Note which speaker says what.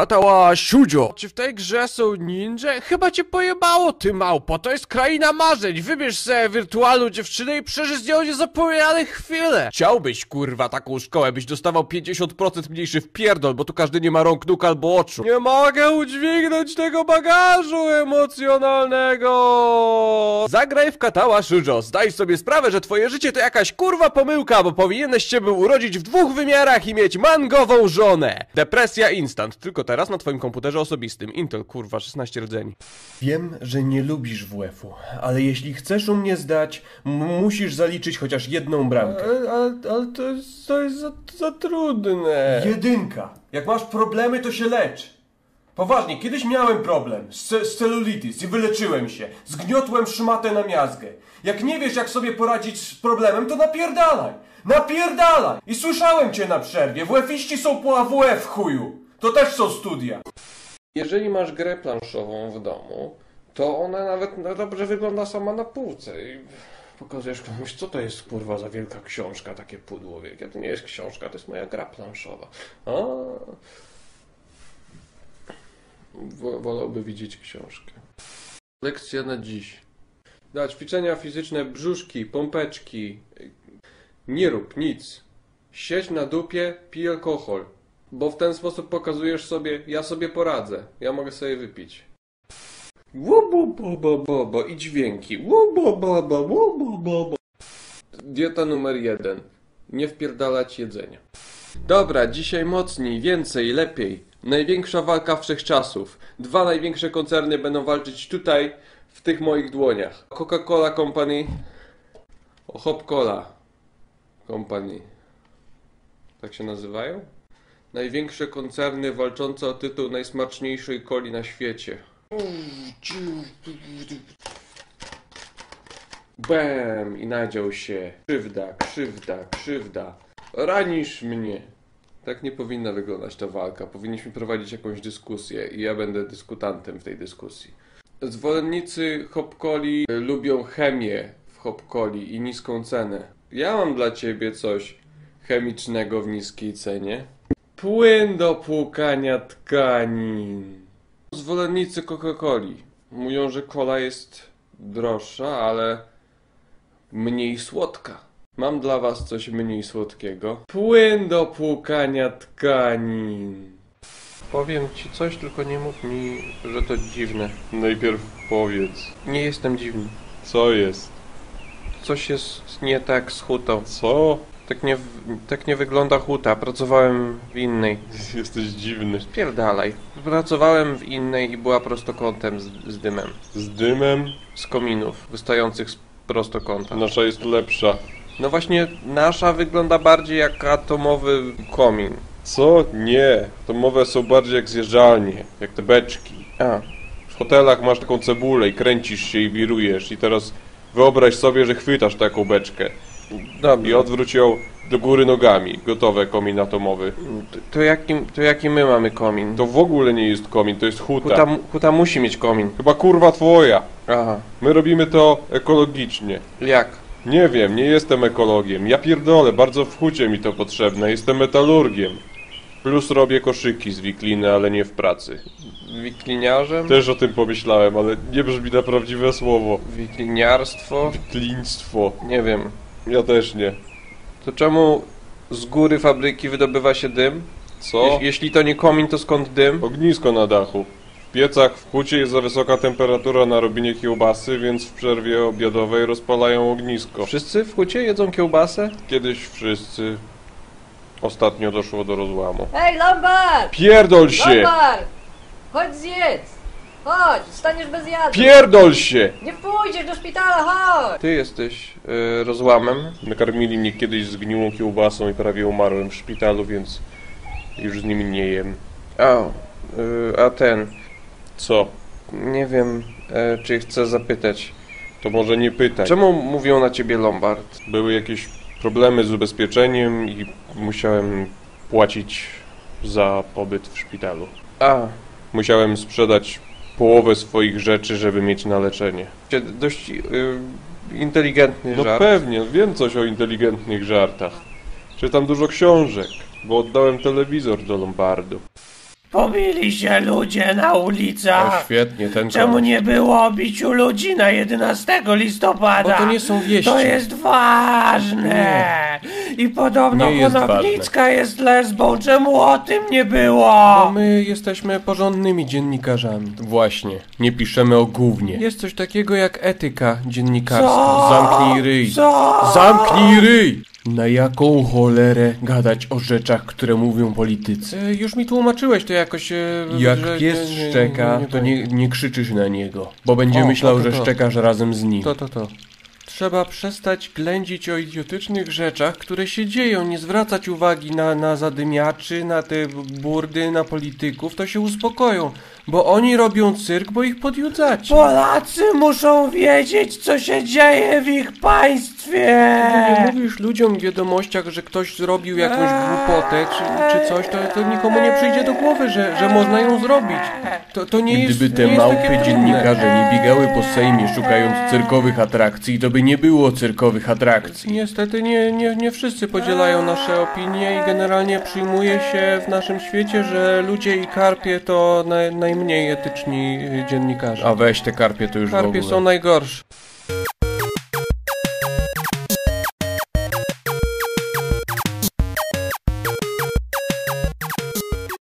Speaker 1: Katawa Shoujo. Czy w tej grze są ninja? Chyba cię pojebało, ty małpo. To jest kraina marzeń. Wybierz sobie wirtualną dziewczynę i przeżyj z nią niezapomniane chwile. Chciałbyś, kurwa, taką szkołę, byś dostawał 50% mniejszy wpierdol, bo tu każdy nie ma rąk, nóg albo oczu. Nie mogę udźwignąć tego bagażu emocjonalnego. Zagraj w Katawa Shoujo. Zdaj sobie sprawę, że twoje życie to jakaś kurwa pomyłka, bo powinieneś się był urodzić w 2 wymiarach i mieć mangową żonę. Depresja instant. Tylko teraz na twoim komputerze osobistym. Intel, kurwa, 16 rdzeni.
Speaker 2: Wiem, że nie lubisz WF-u, ale jeśli chcesz u mnie zdać, musisz zaliczyć chociaż jedną bramkę.
Speaker 1: Ale to jest za trudne.
Speaker 2: 1. Jak masz problemy, to się lecz. Poważnie, kiedyś miałem problem z celulitis i wyleczyłem się. Zgniotłem szmatę na miazgę. Jak nie wiesz, jak sobie poradzić z problemem, to napierdalaj. Napierdalaj! I słyszałem cię na przerwie. WF-iści są po AWF, chuju. To też są studia.
Speaker 1: Jeżeli masz grę planszową w domu, to ona nawet dobrze wygląda sama na półce. I pokazujesz komuś, co to jest kurwa za wielka książka, takie pudło wielkie. To nie jest książka, to jest moja gra planszowa. Wolałby widzieć książkę. Lekcja na dziś. Ćwiczenia fizyczne, brzuszki, pompeczki. Nie rób nic. Siedź na dupie, pij alkohol. Bo w ten sposób pokazujesz sobie, ja sobie poradzę. Ja mogę sobie wypić. Łubu, i dźwięki. Łubu. Dieta numer 1. Nie wpierdalać jedzenia. Dobra, dzisiaj mocniej, więcej, lepiej. Największa walka wszechczasów. 2 największe koncerny będą walczyć tutaj, w tych moich dłoniach. Coca-Cola Company. Hop-Cola Company. Tak się nazywają? Największe koncerny walczące o tytuł najsmaczniejszej coli na świecie. Bam! I nadział się. Krzywda. Ranisz mnie. Tak nie powinna wyglądać ta walka. Powinniśmy prowadzić jakąś dyskusję i ja będę dyskutantem w tej dyskusji. Zwolennicy Hop-Coli lubią chemię w Hop-Coli i niską cenę. Ja mam dla ciebie coś chemicznego w niskiej cenie. Płyn do płukania tkanin. Zwolennicy Coca-Coli mówią, że cola jest droższa, ale mniej słodka. Mam dla was coś mniej słodkiego. Płyn do płukania tkanin. Powiem ci coś, tylko nie mów mi, że to dziwne.
Speaker 3: Najpierw powiedz.
Speaker 1: Nie jestem dziwny.
Speaker 3: Co jest?
Speaker 1: Coś jest nie tak z hutą.
Speaker 3: Co?
Speaker 1: Tak nie wygląda huta. Pracowałem w innej.
Speaker 3: Jesteś dziwny.
Speaker 1: Spierdalaj. Pracowałem w innej i była prostokątem z dymem.
Speaker 3: Z dymem?
Speaker 1: Z kominów wystających z prostokąta.
Speaker 3: Nasza jest lepsza.
Speaker 1: No właśnie, nasza wygląda bardziej jak atomowy komin.
Speaker 3: Co? Nie. Atomowe są bardziej jak zjeżdżalnie. Jak te beczki. W hotelach masz taką cebulę i kręcisz się i wirujesz. I teraz wyobraź sobie, że chwytasz taką beczkę.
Speaker 1: Dobrze.
Speaker 3: I odwróć ją do góry nogami. Gotowe, komin atomowy.
Speaker 1: To jaki my mamy komin?
Speaker 3: To w ogóle nie jest komin, to jest huta.
Speaker 1: Huta musi mieć komin.
Speaker 3: Chyba kurwa twoja.
Speaker 1: Aha.
Speaker 3: My robimy to ekologicznie.
Speaker 1: Jak?
Speaker 3: Nie wiem, nie jestem ekologiem. Ja pierdolę, bardzo w hucie mi to potrzebne. Jestem metalurgiem. Plus robię koszyki z wikliny, ale nie w pracy.
Speaker 1: Wikliniarzem?
Speaker 3: Też o tym pomyślałem, ale nie brzmi na prawdziwe słowo.
Speaker 1: Wikliniarstwo?
Speaker 3: Wikliństwo.
Speaker 1: Nie wiem.
Speaker 3: Ja też nie.
Speaker 1: To czemu z góry fabryki wydobywa się dym?
Speaker 3: Co?
Speaker 1: Jeśli to nie komin, to skąd dym?
Speaker 3: Ognisko na dachu. W piecach w hucie jest za wysoka temperatura na robienie kiełbasy, więc w przerwie obiadowej rozpalają ognisko.
Speaker 1: Wszyscy w hucie jedzą kiełbasę?
Speaker 3: Kiedyś wszyscy. Ostatnio doszło do rozłamu.
Speaker 4: Hej, Lombard!
Speaker 3: Pierdol się!
Speaker 4: Lombard! Chodź zjedz! Chodź, staniesz bez jadu!
Speaker 3: Pierdol się!
Speaker 4: Nie pójdziesz do szpitala, chodź!
Speaker 1: Ty jesteś rozłamem.
Speaker 3: Nakarmili mnie kiedyś zgniłą kiełbasą i prawie umarłem w szpitalu, więc już z nimi nie jem.
Speaker 1: A ten...
Speaker 3: Co?
Speaker 1: Nie wiem, czy chcę zapytać.
Speaker 3: To może nie pytaj.
Speaker 1: Czemu mówią na ciebie Lombard?
Speaker 3: Były jakieś problemy z ubezpieczeniem i musiałem płacić za pobyt w szpitalu. Musiałem sprzedać połowę swoich rzeczy, żeby mieć na leczenie.
Speaker 1: Dość inteligentny
Speaker 3: No
Speaker 1: żart.
Speaker 3: pewnie, wiem coś o inteligentnych żartach. Czytam dużo książek, bo oddałem telewizor do Lombardu.
Speaker 5: Pobili się ludzie na ulicach.
Speaker 1: Świetnie, ten
Speaker 5: Czemu
Speaker 1: koleś.
Speaker 5: nie było o biciu ludzi na 11 listopada?
Speaker 1: Bo to nie są wieści.
Speaker 5: To jest ważne. I podobno
Speaker 1: Nie jest
Speaker 5: Konopnicka jest lesbą. Czemu o tym nie było?
Speaker 1: Bo my jesteśmy porządnymi dziennikarzami. Właśnie, nie piszemy o gównie. Jest coś takiego jak etyka dziennikarska.
Speaker 5: Co?
Speaker 1: Zamknij ryj.
Speaker 5: Co?
Speaker 1: Zamknij ryj! Na jaką cholerę gadać o rzeczach, które mówią politycy? Już mi tłumaczyłeś to jakoś...
Speaker 2: Jak
Speaker 1: że
Speaker 2: pies szczeka, to nie krzyczysz na niego, bo będzie
Speaker 1: O,
Speaker 2: myślał,
Speaker 1: to.
Speaker 2: że szczekasz razem z nim.
Speaker 1: To. Trzeba przestać ględzić o idiotycznych rzeczach, które się dzieją. Nie zwracać uwagi na zadymiaczy, na te burdy, na polityków. To się uspokoją, bo oni robią cyrk, bo ich podjudzacie.
Speaker 5: Polacy muszą wiedzieć, co się dzieje w ich państwie.
Speaker 1: Nie mówisz ludziom w wiadomościach, że ktoś zrobił jakąś głupotę czy coś, to nikomu nie przyjdzie do głowy, że można ją zrobić. To nie jest.
Speaker 2: Gdyby te
Speaker 1: nie jest takie
Speaker 2: małpy
Speaker 1: trudne.
Speaker 2: dziennikarze nie biegały po Sejmie szukając cyrkowych atrakcji, to by nie było cyrkowych atrakcji.
Speaker 1: Niestety nie wszyscy podzielają nasze opinie i generalnie przyjmuje się w naszym świecie, że ludzie i karpie to najmniej etyczni dziennikarze.
Speaker 2: A weź te karpie to już w
Speaker 1: Karpie
Speaker 2: ogóle.
Speaker 1: są najgorsze.